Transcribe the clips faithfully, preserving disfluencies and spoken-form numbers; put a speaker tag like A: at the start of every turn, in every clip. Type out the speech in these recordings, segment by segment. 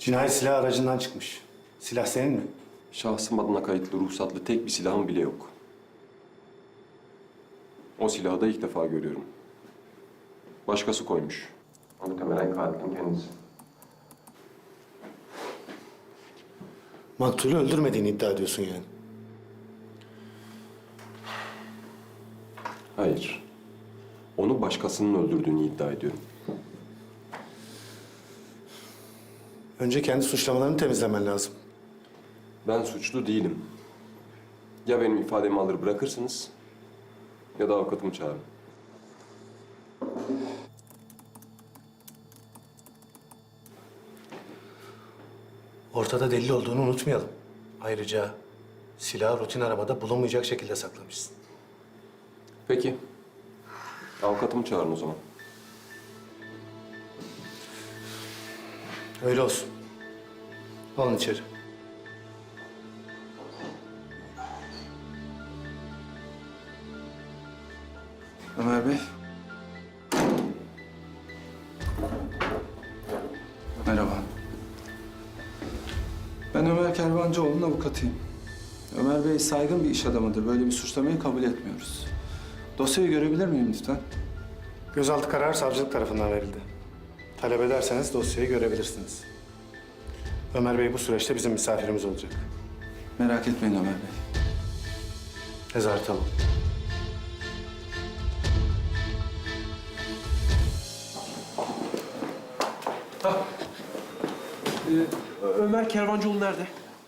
A: Cinayet silahı aracından çıkmış. Silah senin mi?
B: Şahsım adına kayıtlı ruhsatlı tek bir silahım bile yok. O silahı da ilk defa görüyorum. Başkası koymuş. Muhtemelen katilin kendisi.
A: Maktulü öldürmediğini iddia ediyorsun yani.
B: Hayır. Onu başkasının öldürdüğünü iddia ediyorum.
A: Önce kendi suçlamalarını temizlemen lazım.
B: Ben suçlu değilim. Ya benim ifademi alır bırakırsınız ya da avukatımı çağırın.
A: Ortada delil olduğunu unutmayalım. Ayrıca silahı rutin arabada bulunmayacak şekilde saklamışsın.
B: Peki. Avukatımı çağırın o zaman.
A: Öyle olsun. Alın içeri.
C: Ömer Bey. Merhaba. Ben Ömer Kervancıoğlu'nun avukatıyım. Ömer Bey saygın bir iş adamıdır. Böyle bir suçlamayı kabul etmiyoruz. Dosyayı görebilir miyim lütfen?
A: Gözaltı kararı savcılık tarafından verildi. Talep ederseniz dosyayı görebilirsiniz. Ömer Bey bu süreçte bizim misafirimiz olacak.
C: Merak etmeyin Ömer Bey.
A: Nezarete alın.
D: Ee, Ömer Kervancıoğlu nerede?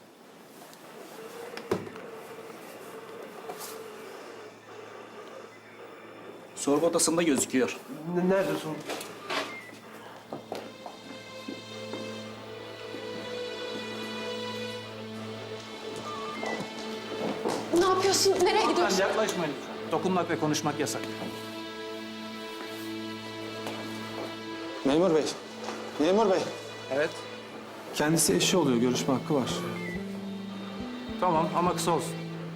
E: Sorgu odasında gözüküyor.
D: N- Nerede sorun?
F: Ne yapıyorsun? Nereye gidiyorsun?
E: Hanımefendi yaklaşmayın lütfen. Dokunmak ve konuşmak yasak.
C: Memur Bey. Memur Bey.
E: Evet.
C: Kendisi eşi oluyor. Görüşme hakkı var.
E: Tamam ama kısa olsun.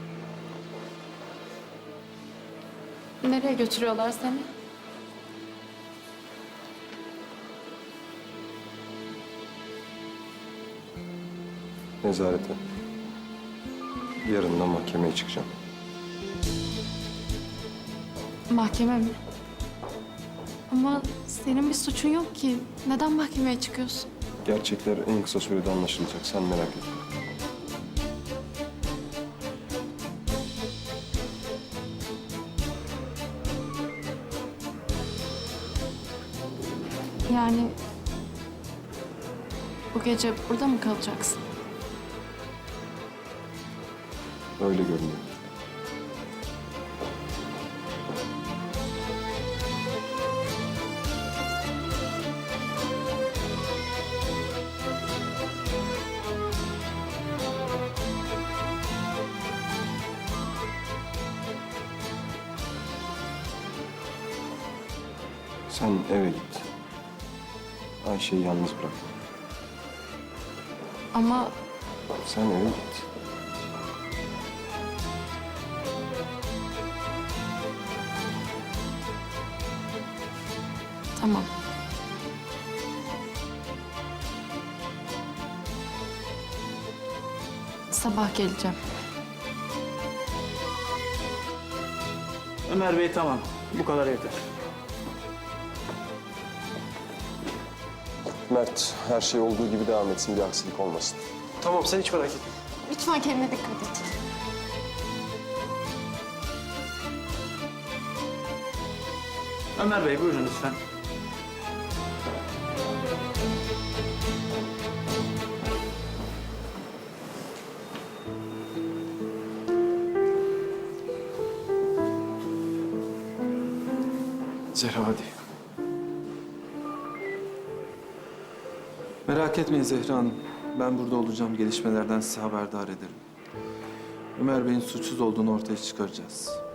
F: Nereye götürüyorlar seni?
B: Nezarete. Yarın da mahkemeye çıkacağım.
F: Mahkeme mi? Ama senin bir suçun yok ki. Neden mahkemeye çıkıyorsun?
B: Gerçekler en kısa sürede anlaşılacak. Sen merak etme.
F: Yani bu gece burada mı kalacaksın?
B: Öyle görünüyor. Sen eve git. Ayşe'yi yalnız bırak.
F: Ama
B: Sen eve git.
F: tamam. Sabah geleceğim.
E: Ömer Bey tamam. Bu kadar yeter.
B: Mert, her şey olduğu gibi devam etsin. Bir aksilik olmasın.
D: Tamam, sen hiç merak etme.
F: Lütfen kendine dikkat et.
E: Ömer Bey buyurun lütfen.
C: Zehra hadi. Merak etmeyin Zehra Hanım. Ben burada olacağım. Gelişmelerden size haberdar ederim. Ömer Bey'in suçsuz olduğunu ortaya çıkaracağız.